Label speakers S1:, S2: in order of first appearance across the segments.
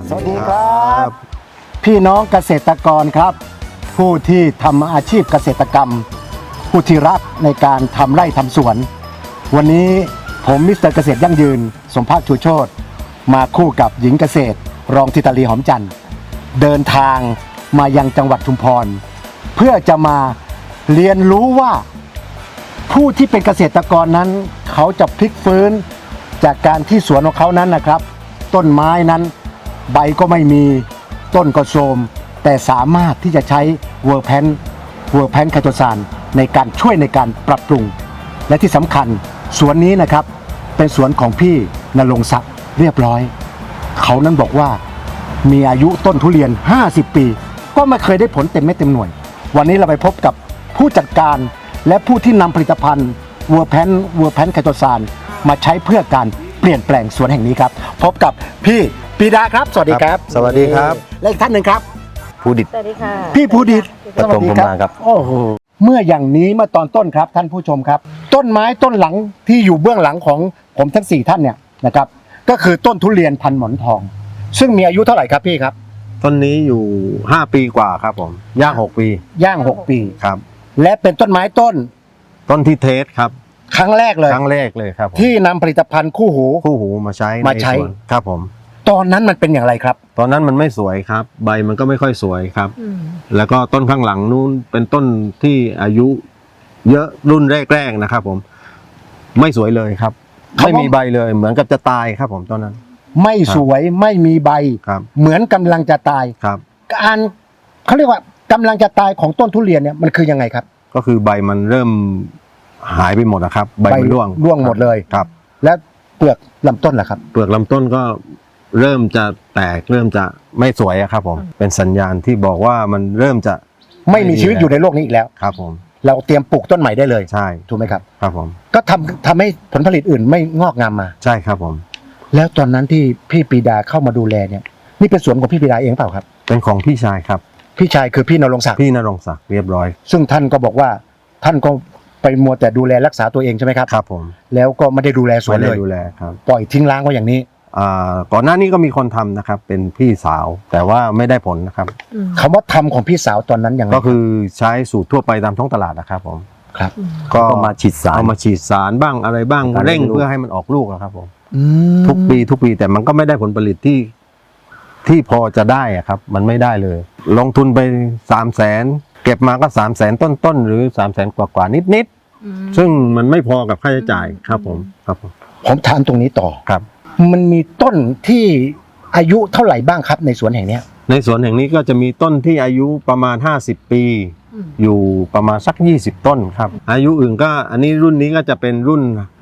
S1: สวัสดีครับพี่น้องเกษตรกรครับผู้ที่ทำอาชีพเกษตรกรรมผู้ที่รักในการทำไร่ทำสวนวันนี้ผมมิสเตอร์เกษตรยั่งยืนสมภาคชูโชติมาคู่กับหญิงเกษตรรองธิตาลีหอมจันทร์เดินทางมายังจังหวัดชุมพรเพื่อจะมาเรียนรู้ว่าผู้ที่เป็นเกษตรกรนั้นเขาจะพลิกฟื้นจากการที่สวนของเขานั้นนะครับต้นไม้นั้นใบก็ไม่มีต้นก็โทรมแต่สามารถที่จะใช้เวอร์แพนไคโตซานในการช่วยในการปรับปรุงและที่สำคัญสวนนี้นะครับเป็นสวนของพี่ณรงค์ศักดิ์เรียบร้อยเขานั้นบอกว่ามีอายุต้นทุเรียน50 ปีก็ไม่เคยได้ผลเต็มเม็ดเต็มหน่วยวันนี้เราไปพบกับผู้จัดการและผู้ที่นำผลิตภัณฑ์เวอร์แพนไคโตซานมาใช้เพื่อการเปลี่ยนแปลงสวนแห่งนี้ครับพบกับพี่ปีดาครับสวัสดีครับ
S2: สวัสดีครับ
S1: และอีกท่านหนึ่งครับ
S2: ภูดิต
S3: สวัสดีค่ะ
S1: พี่ภูดิต
S2: ประตงประมาณครับ
S1: โอ้โหเมื่ออย่างนี้เมื่อตอนต้นครับท่านผู้ชมครับต้นไม้ต้นหลังที่อยู่เบื้องหลังของผมทั้ง4ท่านเนี่ยนะครับก็คือต้นทุเรียนพันหมอนทอง ซึ่งมีอายุเท่าไหร่ครับพี่ครับ
S2: ต้นนี้อยู่5 ปีกว่าครับผมย่าง6 ปี
S1: ย่าง6 ปี
S2: ครับ
S1: และเป็นต้นไม้ต้น
S2: ต้นที่เทสครับ
S1: ครั้งแรกเลย
S2: ครั้งแรกเลยครับผม
S1: ที่นำผลิตภัณฑ์คู่หู
S2: คู่หูมาใช้
S1: มาใช้
S2: นสวนครับผม
S1: ตอนนั้นมันเป็นอย่างไรครับ
S2: ตอนนั้นมันไม่สวยครับ ใบมันก็ไม่ค่อยสวยครับ
S3: อืม
S2: แล้วก็ต้นข้างหลังนู้นเป็นต้นที่อายุเยอะรุ่นแรกๆนะครับผมไม่สวยเลยครับ
S1: เขาว่า
S2: ไม่มีใบเลยเหมือนกับจะตายครับผมตอนนั้น
S1: ไม่สวยไม่มีใบ
S2: ครับ
S1: เหมือนกำลังจะตาย
S2: ครับ
S1: การเขาเรียกว่ากำลังจะตายของต้นทุเรียนเนี่ยมันคือยังไงครับ
S2: ก็คือใบมันเริ่มหายไปหมดนะครับใบมันร่วง
S1: หมดเลย
S2: ครับ
S1: และเปลือกลำต้นล่ะครับ
S2: เปลือกลำต้นก็เริ่มจะแตกเริ่มจะไม่สวยอะครับผมเป็นสัญญาณที่บอกว่ามันเริ่มจะ
S1: ไม่มีชีวิตอยู่ในโลกนี้อีกแล้ว
S2: ครับผม
S1: เราเตรียมปลูกต้นใหม่ได้เลย
S2: ใช่
S1: ถูกไหมครับ
S2: ครับผม
S1: ก็ทำให้ผลผลิตอื่นไม่งอกงามมา
S2: ใช่ครับผม
S1: แล้วตอนนั้นที่พี่ปีดาเข้ามาดูแลเนี่ยนี่เป็นสวนของพี่ปีดาเองเปล่าครับ
S2: เป็นของพี่ชายครับ
S1: พี่ชายคือพี่ณรงค์ศักดิ์
S2: พี่ณรงค์ศักดิ์เรียบร้อย
S1: ซึ่งท่านก็บอกว่าท่านก็ไปมัวแต่ดูแลรักษาตัวเองใช่ไหมครับ
S2: ครับผม
S1: แล้วก็ไม่ได้ดูแลสวน
S2: ไม่
S1: เล
S2: ได้
S1: ย
S2: ดูแลครับ
S1: ปล่อยทิ้งร้างไว้อย่างนี้
S2: ก่อนหน้านี้ก็มีคนทำนะครับ เป็นพี่สาวแต่ว่าไม่ได้ผลนะครับ
S3: อืม
S1: คำว่าทำของพี่สาวตอนนั้นอย่างไร
S2: ก็คือใช้สูตรทั่วไปตามท้องตลาดนะครับผม
S1: ครับ
S2: ก็
S4: ก็มาฉีดสาร
S2: เอามาฉีดสารบ้างอะไรบ้าง
S4: การเลี้
S2: เร่
S4: ย
S2: ง
S4: งลูก
S2: เพื่อให้มันออกลูกอะครับผม
S1: อืม
S2: ทุกปีแต่มันก็ไม่ได้ผลผลิตที่พอจะได้อะครับ มันไม่ได้เลย ลงทุนไป300,000เก็บมาก็300,000ต้นหรือ300,000กว่านิด
S3: อืม
S2: ๆซึ่งมันไม่พอกับค่าใช้จ่ายครับผมครับผม
S1: ผมถามตรงนี้ต่อ
S2: ครับ
S1: มันมีต้นที่อายุเท่าไหร่บ้างครับในสวนแห่งเนี้ย
S2: ในสวนแห่งนี้ก็จะมีต้นที่อายุประมาณ50 ปี
S3: อืม
S2: อยู่ประมาณสัก20 ต้นครับ อายุอื่นก็อันนี้รุ่นนี้ก็จะเป็นรุ่น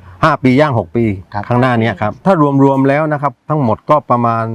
S2: 5 ปีย่าง6 ปีข้างหน้านี้ครับถ้ารวมๆแล้วนะครับทั้งหมดก็ประมาณ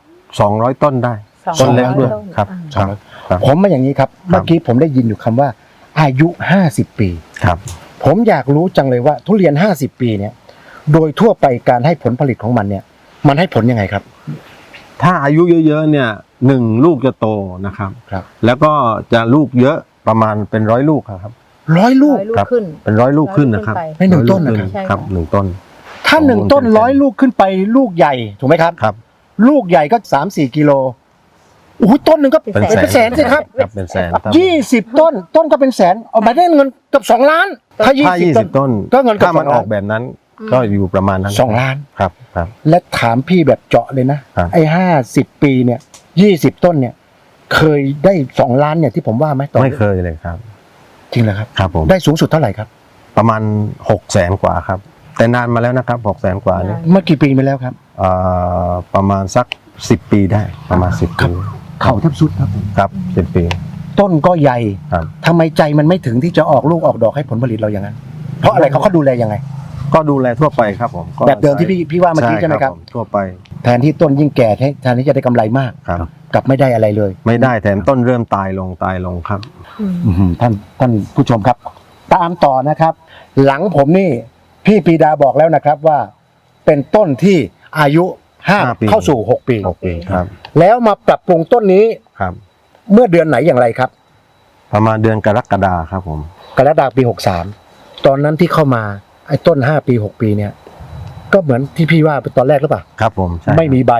S2: 200 ต้นได้ ต้นเล็กด้วยครับ
S3: อ่า
S2: ครับ
S1: ผมมาอย่างนี้ครับเมื่อกี้ผมได้ยินอยู่คำว่า อายุ50 ปี
S2: ครับ
S1: ผมอยากรู้จังเลยว่าทุเรียน50 ปีเนี่ยโดยทั่วไปการให้ผลผลิตของมันเนี่ยมันให้ผลยังไงครับ
S2: ถ้าอายุเยอะๆเนี่ย1 ลูกจะโตนะครับ
S1: ครับ
S2: แล้วก็จะลูกเยอะประมาณเป็น100 ลูกครับ
S1: 100 ลูก
S3: ร้อยลูก
S2: ครับ
S3: ขึ้น
S2: เป็น100 ลูกขึ้นนะครับ
S1: ในหนึ่งต้น
S2: 100
S1: นะครับ
S2: ลูกขึ้ครับ
S3: ใช่ค่ะ
S2: 1 ต้น
S1: ถ้า1 ต้น 100 ลูกขึ้นไปลูกใหญ่ถูกไหมครับ
S2: ครับ
S1: ลูกใหญ่ก็ 3-4 กิโลโอ้โหต้นหนึ่งก็
S3: เป็น
S1: เป็นแสนสิครับ
S2: ครับเป็นแสนครับ
S1: 20 ต้นก็เป็นแสนเอามาได้เงินเกับ2 ล้าน ถ้า
S2: ถ้า
S1: 20 ต้น
S2: ต้น
S1: ก็เงินเกือบ
S2: ถ้ามัน
S1: 2
S2: อ
S1: ล้าน
S2: อกแบบนั้น ก็อยู่ประมาณนั้น
S1: 2 ล้าน
S2: ครับครับ
S1: และถามพี่แบบเจาะเลยนะครับ ไอ้50 ปีเนี่ย20 ต้นเนี่ยเคยได้2 ล้านเนี่ยที่ผมว่าไหมตอน
S2: ไม่เคยเลยครับ
S1: จริงเหรอครับ
S2: ครับผม
S1: ได้สูงสุดเท่าไหร่ครับ
S2: ประมาณ600,000 กว่าครับ แต่นานมาแล้วนะครับ600,000 กว่านี่
S1: เมื่อกี่ปีมาแล้วครับ
S2: ประมาณสัก10 ปีได้ประมาณ10 ปี
S1: เข่าแทบสุดครับผม
S2: ครับ10 ปี
S1: ต้นก็ใหญ่
S2: ครับ
S1: ทำไมใจมันไม่ถึงที่จะออกลูกออกดอกให้ผลผลิตเราอย่างนั้น เพราะอะไรเขาดูแลยังไง
S2: ก็ดูแลทั่วไปครับผมก็
S1: แบบเดิมที่พี่ว่าเมื่อกี้ใช่ไหมครับ
S2: ผทั่วไป
S1: แทนที่ต้นยิ่งแก่แทนที่จะได้กำไรมาก
S2: ครับ
S1: กลับไม่ได้อะไรเลย
S2: ไม่ได้แถมต้นเริ่มตายลงครับ
S3: อืม
S1: ท่านผู้ชมครับ ตามต่อนะครับ หลังผมนี่พี่ปีดาบอกแล้วนะครับว่าเป็นต้นที่อายุ
S2: 5 ปี
S1: เข้าสู่ 6 ปี
S2: 6 ปีครับ
S1: แล้วมาปรับปรุงต้นนี้
S2: ครับ
S1: เมื่อเดือนไหนอย่างไรครับ
S2: ประมาณเดือนกรกฎาครับผม
S1: กรกฎาคมปี 63 ตอนนั้นที่เข้ามาไอ้ต้น5 ปี 6 ปีเนี่ย ก็เหมือนที่พี่ว่าตอนแรกหรือเปล่า
S2: ครับผมใช่
S1: ไม่มีใบ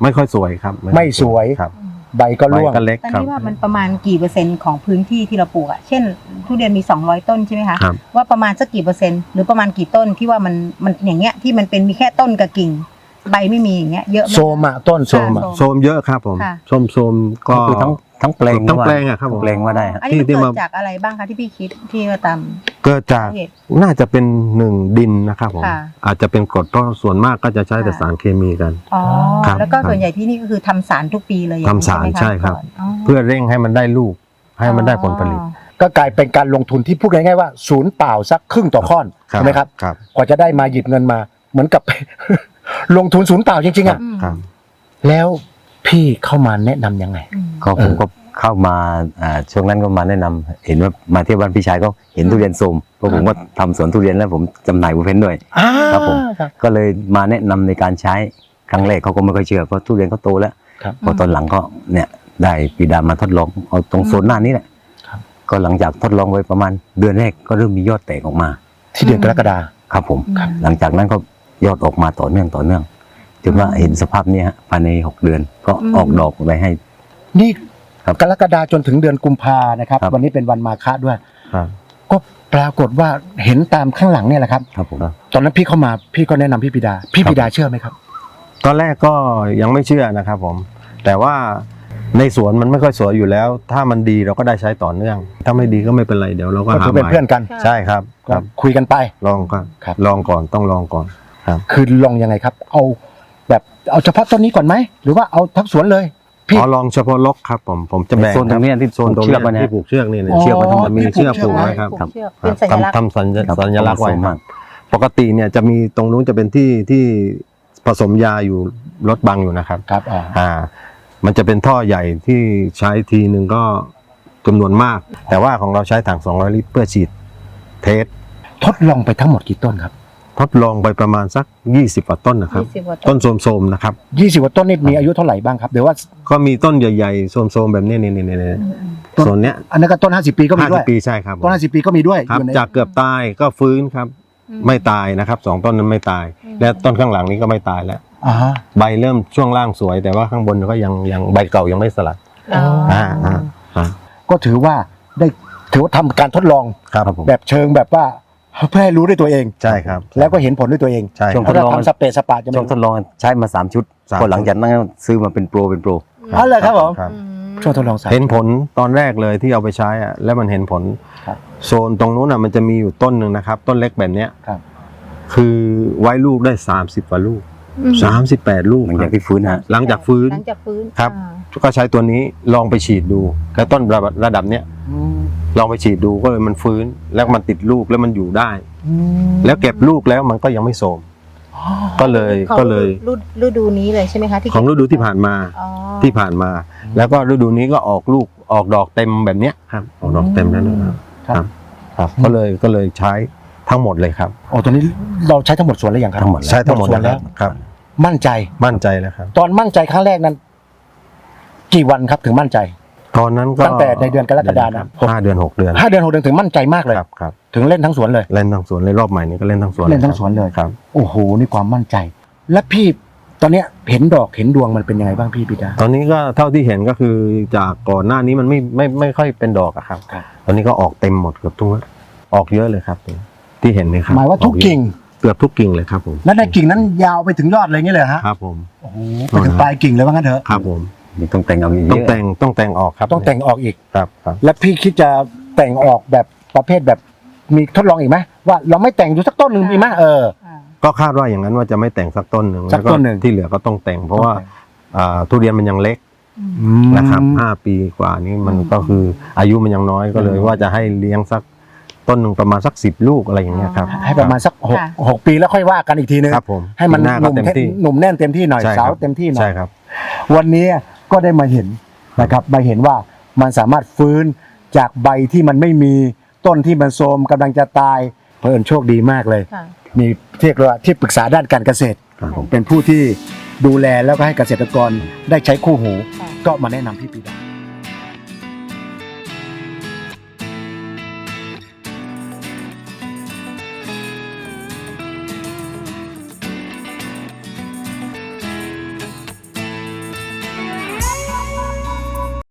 S2: ไม่ค่อยสวยครับ
S1: ไม่สวย
S2: ครับ
S1: ใบก็
S2: ใบ
S1: ร่วง
S2: ก็เล็ก
S3: ตอน
S2: ครับ
S3: นี้ว่ามันประมาณกี่เปอร์เซ็นต์ของพื้นที่ที่เราปลูกอะเช่นทุเรียนมี200ต้นใช่ไหมคะ
S2: ครับ
S3: ว่าประมาณสักกี่เปอร์เซ็นต์หรือประมาณกี่ต้นที่ว่ามันอย่างเงี้ยที่มันเป็นมีแค่ต้นกับกิ่ง ใบไม่มีอย่างเงี้ยเยอะไหม
S1: โซมอะต้นโซมอะ
S3: ค่ะ
S2: โซมเยอะครับผม
S3: ค่ะ
S2: โซมก็
S4: ก็คือทั้งแปลง
S2: ทั้งแปลงอะครับผม
S4: ทั้งแปลงว่าได้ฮะ
S3: อันนี้มัน
S2: ที่
S3: เกิ
S2: มา
S3: ดจากอะไรบ้างคะที่พี่คิดที่ว่าตาม
S2: เกิดจาก
S3: เหตุ
S2: น่าจะเป็น1ดินนะครับผม
S3: ค่ะ
S2: อาจจะเป็นกรดเพราะส่วนมากก็จะใช้แต่
S3: ค่ะ
S2: สารเคมีกัน
S3: อ๋อ
S2: ครับ
S3: แล้วก็
S2: ครับ
S3: ส่วนใหญ่ที่นี่ก็คือทำสารทุกปีเลยอย่งนี้
S2: ทำสาร
S3: ไหมะ
S2: ใช่ครับ
S3: ก่อนอ๋อ
S2: เพื่อเร่งให้มันได้ลูก ให้มันได้ผลผลิต
S3: อ๋อ
S1: ก็กลายเป็นการลงทุนที่พูดง่ายๆว่าศูนย์เปล่าสักครึ่งต่อข้อนใช่ไหมครับ
S2: ครับ
S1: กว่าจะได้มาหยิบเงินมา เหมือนกับ ลงทุนศูนย์เปล่าจริงๆอะ
S3: อืม
S2: ครับ
S1: แล้วพี่เข้ามาแนะนำยังไง
S3: อืม
S4: ก็ผมก็เข้ามาช่วงนั้นก็มาแนะนำเห็นว่ามาเที่ยวบ้านพี่ชายก็เห็นทุเรียนโทรมเพราะผมก็ทำสวนทุเรียนแล้วผมจำหน่ายบุฟเฟ่ด้วย ครับผม
S1: ครับ
S4: ก็เลยมาแนะนำในการใช้ครั้งแรกเขาก็ไม่ค่อยเชื่อเพราะทุเรียนเขาโตแล้ว
S1: ครับ
S4: พอตอนหลังก็เนี่ยได้ปีดามาทดลองเอาตรงโซนหน้านี้แหละ
S1: ครับ
S4: ก็หลังจากทดลองไว้ประมาณเดือนแรกก็เริ่มมียอดแตกออกมา
S1: ที่เดือนกรกฎา
S4: ครับผม
S3: ครับ
S4: หลังจากนั้นก็ยอดออกมาต่อเนื่องจนว่าเห็นสภาพเนี้ยฮะภายใน6 เดือนก็ออกดอกไปให้
S1: นี่
S4: ครับ
S1: กรกฎาจนถึงเดือนกุมภานะครับ
S4: ครับ
S1: วันนี้เป็นวันมาฆะด้วย
S2: ครับ
S1: ก็ปรากฏว่าเห็นตามข้างหลังเนี่ยแหละครับ
S4: ครับผม
S1: ตอนนั้นพี่เข้ามาพี่ก็แนะนำพี่ปิดา พี่ปิดาเชื่อไหมครับ
S2: ตอนแรกก็ยังไม่เชื่อนะครับผม แต่ว่าในสวนมันไม่ค่อยสวยอยู่แล้ว ถ้ามันดีเราก็ได้ใช้ต่อเนื่อง ถ้าไม่ดีก็ไม่เป็นไรเดี๋ยวเราก็
S1: ก็
S2: หา
S1: ถือ
S2: ให
S1: เป็น
S2: ม่
S1: เพื่อนกัน
S2: ใช่ครับค
S1: ก็
S2: รับ
S1: คุยกันไป
S2: ลองก็
S1: ครับ
S2: ลองก่อนต้องลองก่อนครับ
S1: คือลองยังไงครับ เอาเฉพาะต้นนี้ก่อนไหมหรือว่าเอาทั้งสวนเลย พี่
S2: อ๋อลองเฉพาะล็อกครับผมจะแบ่ง
S4: โซนตรงเนี้ยที่
S2: โซนตรง
S4: เชื
S2: เนี้
S4: อกไว้
S2: ย
S4: นะ
S2: ที่ผูกเชือกนี่เนี่ย
S1: อ๋อ
S2: เชือกมันจะมีเชือกผูกไว้ครับ
S3: ผูกเชือกเป็นสัญลักษณ์
S2: ทำสัญลักษณ์ไว้
S4: ครับ
S2: ครับปกติเนี่ยจะมีตรงนู้นจะเป็นที่ผสมยาอยู่รถบังอยู่นะครับ
S1: ครับ
S2: มันจะเป็นท่อใหญ่ที่ใช้ทีหนึ่งก็จำนวนมาก แต่ว่าของเราใช้ถัง200 ลิตรเพื่อฉีดเทส
S1: ทดลองไปทั้งหมดกี่ต้นครับ
S2: ทดลองไปประมาณสัก20กว่าต้นนะครับ
S3: 20กว่าต้
S2: ต้
S3: น
S2: นโสมๆนะครับ
S1: 20กว่าต้นนี่มีอายุเท่าไหร่บ้างครับเดี๋ยวว่า
S2: ก็มีต้นใหญ่ๆโสมๆแบบนี้นี่
S1: ต้น
S2: โซนเนี้ย
S1: อันนั้นก็ต้น50 ปีก็มีด้วย
S2: 50 ปีใช่ครับ
S1: ต้น50 ปีก็มีด้วย
S2: ครับ
S1: อยู่ใน
S2: จากเกือบตายก็ฟื้นครับ ไม่ตายนะครับ2ต้นนั้นไม่ตาย และต้นข้างหลังนี้ก็ไม่ตายแล้ว
S1: อ่าฮะ
S2: ใบเริ่มช่วงล่างสวย แต่ว่าข้างบนก็ยังใบเก่ายังไม่สลัด
S3: อ๋อ
S1: ก็ถือว่าทำการทดลอง
S2: ครับผม
S1: แบบเชิงแบบว่าเพื่อให้รู้ด้วยตัวเอง
S2: ใช่ครับ
S1: แล้วก็เห็นผลด้วยตัวเอง
S2: ใช่
S4: ช่วง
S2: ค
S4: ท
S2: รับ
S4: ดลอง
S1: ทำสเปรย์สปาจะ
S4: ช่วงทดลองใช้มา3 ชุด
S2: 3
S4: พอหลังจากนั้นซื้อมาเป็นโปร
S1: อ๋อเลยครับผม
S2: ครับ
S1: ช่วงทดลองสาย
S2: เห็นผลตอนแรกเลยที่เอาไปใช้อะแล้วมันเห็นผล
S1: ครับ
S2: โซนตรงนู้นอ่ะมันจะมีอยู่ต้นหนึ่งนะครับ ต้นเล็กแบบเนี้ย
S1: ครับ
S2: คือไว้ลูกได้30กว่าลูก38 ลูก
S4: หลังจากที่ฟื้นฮะ
S2: หลังจากฟื้น
S3: หลังจากฟื้น
S2: ครับ
S3: อ่า
S2: ก็ใช้ตัวนี้ลองไปฉีดดูแล้วต้นระดับเนี้ย
S1: อืม
S2: ลองไปฉีดดูก็เลยมันฟื้นแล้วมันติดลูกแล้วมันอยู่ได้ แล้วเก็บลูกแล้วมันก็ยังไม่โทรมก็เลย
S3: ของ
S2: ก็เลย
S3: ฤดูนี้เลยใช่ไหมคะที่
S2: ของฤดูที่ผ่านมา
S3: อ๋อ
S2: ที่ผ่านมา แล้วก็ฤดูนี้ก็ออกลูกออกดอกเต็มแบบเนี้ยครับออกดอกเต็มแล้วนะครับ
S1: ครับ
S2: ครับก็เลยใช้ทั้งหมดเลยครับ
S1: โอ้ตอนนี้เราใช้ทั้งหมดสวนแล้วยังครับ
S4: ทั้งหมดแล้ว
S2: ใช้ทั้งหมด
S1: สวนแล้ว
S2: ครับ
S1: มั่นใจ
S2: มั่นใจแล้วครับ
S1: ตอนมั่นใจครั้งแรกนั้น กี่วันครับถึงมั่นใจ
S2: ตอนนั้นก็
S1: ตั้งแต่ในเดือนกรกฎาคม
S2: 5 เดือน 6 เดือน
S1: 5 เดือน6 เดือนถึงมั่นใจมากเลย
S2: ครับครับ
S1: ถึงเล่นทั้งสวนเลย
S2: เล่นทั้งสวนเลยรอบใหม่นี้ก็เล่นทั้งสวน
S1: เล่นทั้งสวนเลย
S2: ครับ
S1: โอ้โหนี่ความมั่นใจ และพี่ตอนเนี้ยเห็นดอกเห็นดวงมันเป็นยังไงบ้างพี่ปิดา
S2: ตอนนี้ก็เท่าที่เห็นก็คือจากก่อนหน้านี้มันไม่ค่อยเป็นดอกอะครับ
S1: ครับ
S2: ตอนนี้ก็ออกเต็มหมดเกือบทุกออกเยอะเลยครับที่เห็นนี่ครับ
S1: หมายว่าทุกกิ่ง
S2: เกือบทุกกิ่งเลยครับผม
S1: และในกิ่งนั้นยาวไปถึงยอดเลยงี้เลยฮะ
S2: ครับผม
S1: โอ้โหไปถึงปลายกิ่งเลยว่างั้นเถอะ
S2: ครับผม
S4: มีต้องแต่งเอาเย
S2: ต้อง
S4: อะ
S2: แต่งออกครับ
S1: ต้องแต่งออกอีก
S2: ครับครับ
S1: และพี่คิดจะแต่งออกแบบประเภทแบบมีทดลองอีกไหมว่าเราไม่แต่งดูสักต้นหนึ่งมีไหม
S3: อ่า
S2: ก็คาดว่าอย่างนั้นว่าจะไม่แต่งสักต้นหนึ่ง
S1: สักต้นหนึ่ง
S2: แล้วที่เหลือก็ต้องแต่ง เพราะว่าทุเรียนมันยังเล็กนะครับ5 ปีกว่านี้มันก็คืออายุมันยังน้อยก็เลยว่าจะให้เลี้ยงสักต้นหนึ่งประมาณสัก10 ลูกอะไรอย่างเงี้ยครับ
S1: ให้ประมาณสัก6 ปีแล้วค่อยว่ากันอีกทีนึง
S2: ครับผม
S1: ให้มัน
S2: ปีหน้า
S1: ห
S2: ก็
S1: นุ่ม
S2: เต็มที่
S1: หนุ่มแน่นเต็มที่หน่อย
S2: ใช่ครับ
S1: สาวเต็มที่หน่อ
S2: ใช่
S1: ย
S2: ครับ
S1: วันนี้ก็ได้มาเห็นนะครับมาเห็นว่ามันสามารถฟื้นจากใบที่มันไม่มีต้นที่มันโทรมกำลังจะตายเพิ่นโชคดีมากเลย
S3: ค่ะ
S1: มีเรียกว่าที่ปรึกษาด้านการเกษตร
S2: ครับผม
S1: เป็นผู้ที่ดูแลแล้วก็ให้เกษตรกรได้ใช้คู่หู
S3: ค่ะ
S1: ก็มาแนะนำพี่ปีดา